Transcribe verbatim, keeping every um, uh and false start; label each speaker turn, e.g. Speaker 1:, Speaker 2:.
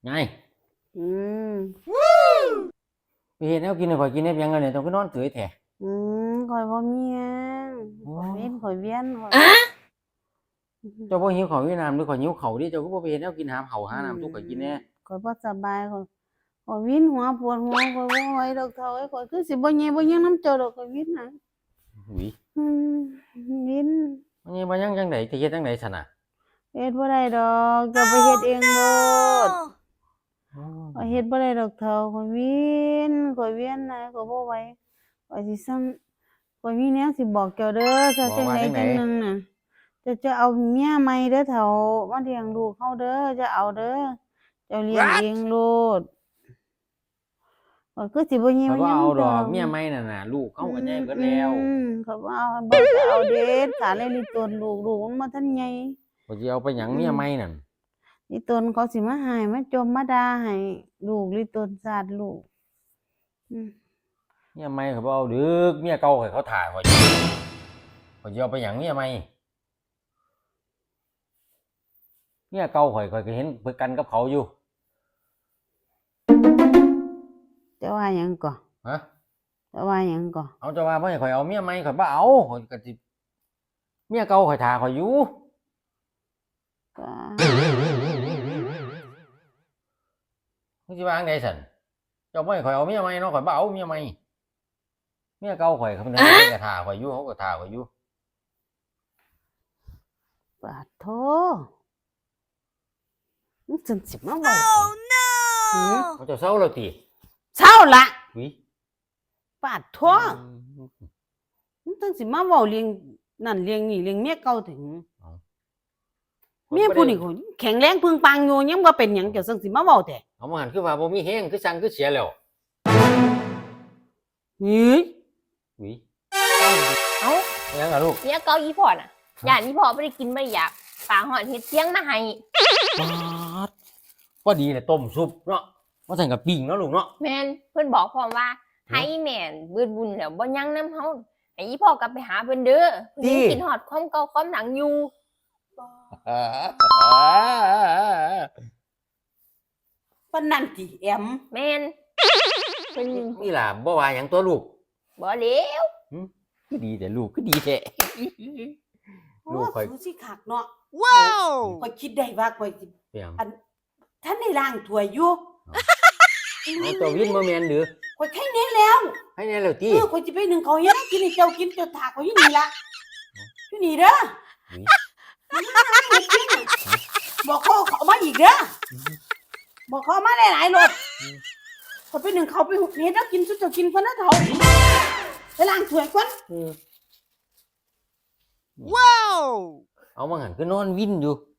Speaker 1: ไง
Speaker 2: อืม
Speaker 1: ไปเฮ็ดแนวกินให้ข่อยกินได้เพียงเงินเนี่ยต้องไปนอนเฉยแท้
Speaker 2: อืมข่อยบ่มีหยัง
Speaker 1: โอ้
Speaker 2: ข่อยเวียนข่อยเวียนข่อย
Speaker 1: เจ้าบ่หิวข้าวหิวน้ำหรือข่อยหิวข้าวดิเจ้าก็บ่ไปเฮ็ดแนวกินหาข้าวหา
Speaker 2: อื
Speaker 1: น้ำสู่ข่อยกินแหน่
Speaker 2: มข่อยบ่สบายข่อยข่อยวินหัวปวดหัวข่อยบ่ไหวดอกเฒ่าเอ้ยข่อยคือสิบ่แย่บ่หยังนำเจ้าดอกข่อยวินน่ะ
Speaker 1: อุ้ย
Speaker 2: อืมวิน
Speaker 1: มันยังบ่ยังจังได๋สิเฮ็ดจังได๋ซั่นน่ะ
Speaker 2: เฮ็ดบ่ได้ดอกเจ้าไปเฮ็ดเองโลด
Speaker 1: อ๋อ
Speaker 2: ข่อยเฮ็ดบ่ได้ดอกเฒ่าข่อยวินข่อยเวียนน่ะข่อยบ่ไหวข่อยสิสั่งข่อยมีแนวสิบอกเจ้าเด้อถ้าจังใดจังหนึ่งน่ะเจ้าจะเอาเมียใหม่เด้อเฒ่ามาเลี้ยงลูกเราเด้ออย่าเอาเด้อเจ้าเลี้ยงเองโลดข้อยคือสิบ่ยิ้ม
Speaker 1: ข่อยบ่
Speaker 2: หยัง
Speaker 1: เอาดอก
Speaker 2: ดอก
Speaker 1: เมียใหม่นั่นน่ะลูกเขาก็ใหญ่เบิดแล้ว
Speaker 2: อืมข้อยบ่เอาบ่จะเอาเด็ดขาดเลยลิตนลูกลูกมันบ่ทันใหญ่
Speaker 1: ข่อยสิเอาไปหยังเมียใหม่นั่น
Speaker 2: ลิตนเขาสิมาหายมาจมมาด่าให้ลูกลิตนสาดลูกอืม
Speaker 1: เมียใหม่ข่อยบ่เอาดึกเมียเก่าข่อยเขาท่าข่อยอยู่ข่อยสิเอาไปหยังเมียใหม่เมียเก่าข่อยข่อยก็เห็นเพิ่นกันกับเขาอยู่
Speaker 2: จะว่าหยังก่อ
Speaker 1: ฮะ
Speaker 2: จะว่าหยังก่อ
Speaker 1: เอาจะว่าบ่ให้ข่อยเอาเมียใหม่ข่อยบ่เอาข่อยก็สิเมียเก่าข่อยท่าข่อยอยู่
Speaker 2: ก็
Speaker 1: มึงสิว่าจั่งใดซั่นเจ้าบ่ให้ข่อยเอาเมียใหม่เนาะข่อยบ่เอาเมียใหม่เมียเก่าข่อยเขาเพิ่นก็ท่าข่อยอยู่เขาก็ท่าข่อยอยู่
Speaker 2: ปาดโธมึงจังสิมาเว้าหือ
Speaker 1: เขาเจ้าเซาแล้วติ
Speaker 2: เช้าละ
Speaker 1: อุ๊ย
Speaker 2: ปาดโธมึงจังสิมาเว้าเรื่องนั่นเรื่องนี้เรื่องเมียเก่าถึงเมียผู้นี้เขาแข็งแรงพึงปังอยู่ยังบ่เป็นหยังเจ้าจังสิมาเว้าแท้
Speaker 1: เอามาหันคือว่าบ่มีแฮงคือสั่งคือเสียแล้ว
Speaker 2: หือ
Speaker 1: อุ๊ย
Speaker 3: เอ้า
Speaker 1: อิหยังล่ะลูก
Speaker 3: เนี่ยเกาอีพ่อน่ะย่านอีพ่อบ่ได้กินบ่ได้อยากฝากฮอดเฮ็ดเสียงมาให้
Speaker 1: ปาดพอดีแหละต้มซุปเนาะว่าซั่นก็ปิ้งเนาะลูกเนาะ
Speaker 3: แม่นเพิ่นบอกพร้อมว่าให้แม่นเบิดบุญแล้วบ่ยังนำเฮาให้อีพ่อกลับไปหาเพิ่นเด้อเพิ่นยังกินฮอดความเก่าความหลังอยู่
Speaker 2: ปานนั้นติแอม
Speaker 3: แม่นเพิ่น
Speaker 1: นี่ล่ะบ่ว่าหยังตัวลูก
Speaker 3: บ่เลว
Speaker 1: คือดีแต่ลูกคือดีแท้ ลูกข่อย
Speaker 2: โอ้สิคักเนาะ
Speaker 4: ว้าว
Speaker 2: ข่อยคิดได้ว่าข่อยสิ
Speaker 1: เปียง
Speaker 2: อันท่านได้ล้างถ้วยอยู่
Speaker 1: เอาตัววินบ่แม่นหรือ
Speaker 2: ข่อยไข่แน่แล้ว
Speaker 1: ให้แน่แล้วติ
Speaker 2: เออข่อยสิไปนึ่งข้าวเหนียวกินให้เจ้ากินเจ้าถากข่อยอยู่นี่ล่ะอยู่นี่เด้อ
Speaker 1: อุ๊ย
Speaker 2: บอกเขาเขามาอีกเด้อบอกเขามาหลายๆรถข่อยไปนึ่งข้าวไปหุบเฮ็ดแล้วกินสุดเจ้ากินเพิ่นนะเฒ่าไปล้างถ้วยก่อน
Speaker 1: อืม
Speaker 4: ว้าว
Speaker 1: เอามาหันคือนอนวินอยู่